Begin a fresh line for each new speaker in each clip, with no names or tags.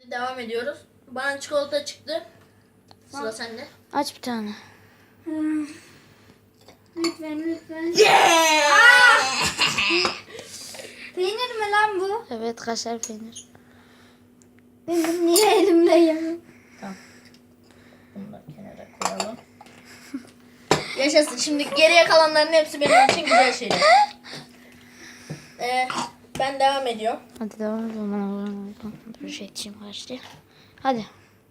Devam ediyoruz. Bana çikolata çıktı. Sıra sende.
Aç bir tane.
Lütfen. Peynir mi lan bu?
Evet, kaşar peynir.
Benim niye elimde yanım?
Tamam. Bunu da kenara koyalım. Yaşasın. Şimdi geriye kalanların hepsi benim için güzel şeyler. Ben devam ediyorum.
Hadi devam edelim. Dur şey içeyim kaçtı. Hadi.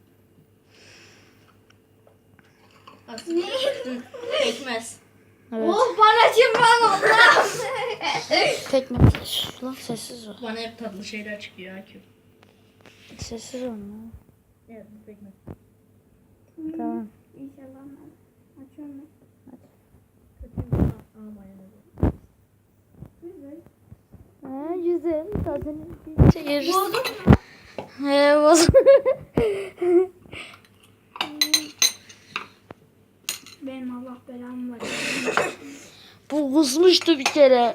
Pekmez.
Evet.
Oh bana kim lan Allah'ım.
Pekmez. Lan sessiz ol.
Bana hep tatlı şeyler çıkıyor Akif.
Sessiz ol lan.
Evet, pekmez.
Tamam.
İnşallah ben açıyorum.
Ha, güzel. Tadını çekeriz. He, bozuk.
Benim Allah belamı var.
Bu kusmuştu bir kere.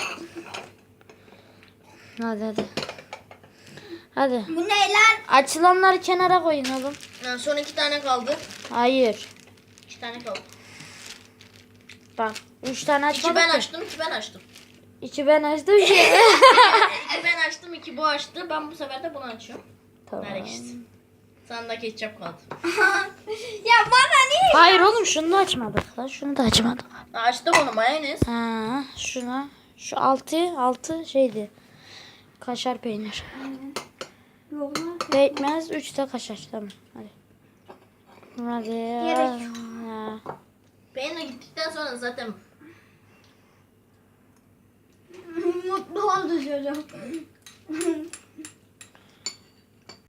Hadi. Hadi.
Bu ne lan?
Açılanları kenara koyun oğlum.
Yani son 2 tane kaldı.
Hayır.
2 tane kaldı.
Bak. 3 tane
2
açmadık
ben
ki.
açtım, 2 ben açtım.
2 ben açtım. 2
2 ben açtım, 2 bu açtı. Ben bu sefer de bunu açıyorum.
Tamam.
Ver işte. Sana da ketçap kaldı.
Ya bana niye?
Hayır oğlum, şunu da açmadık lan. Şunu da açmadık.
Açtık onu, mayonez.
Ha, şuna. Şu altı şeydi. Kaşar peynir.
Yok lan.
Pekmez 3 de kaşar. Tamam. Hadi. Hadi.
Gerek yok.
Ha.
Peynir gittikten sonra zaten
Mutlu oldu çocuk.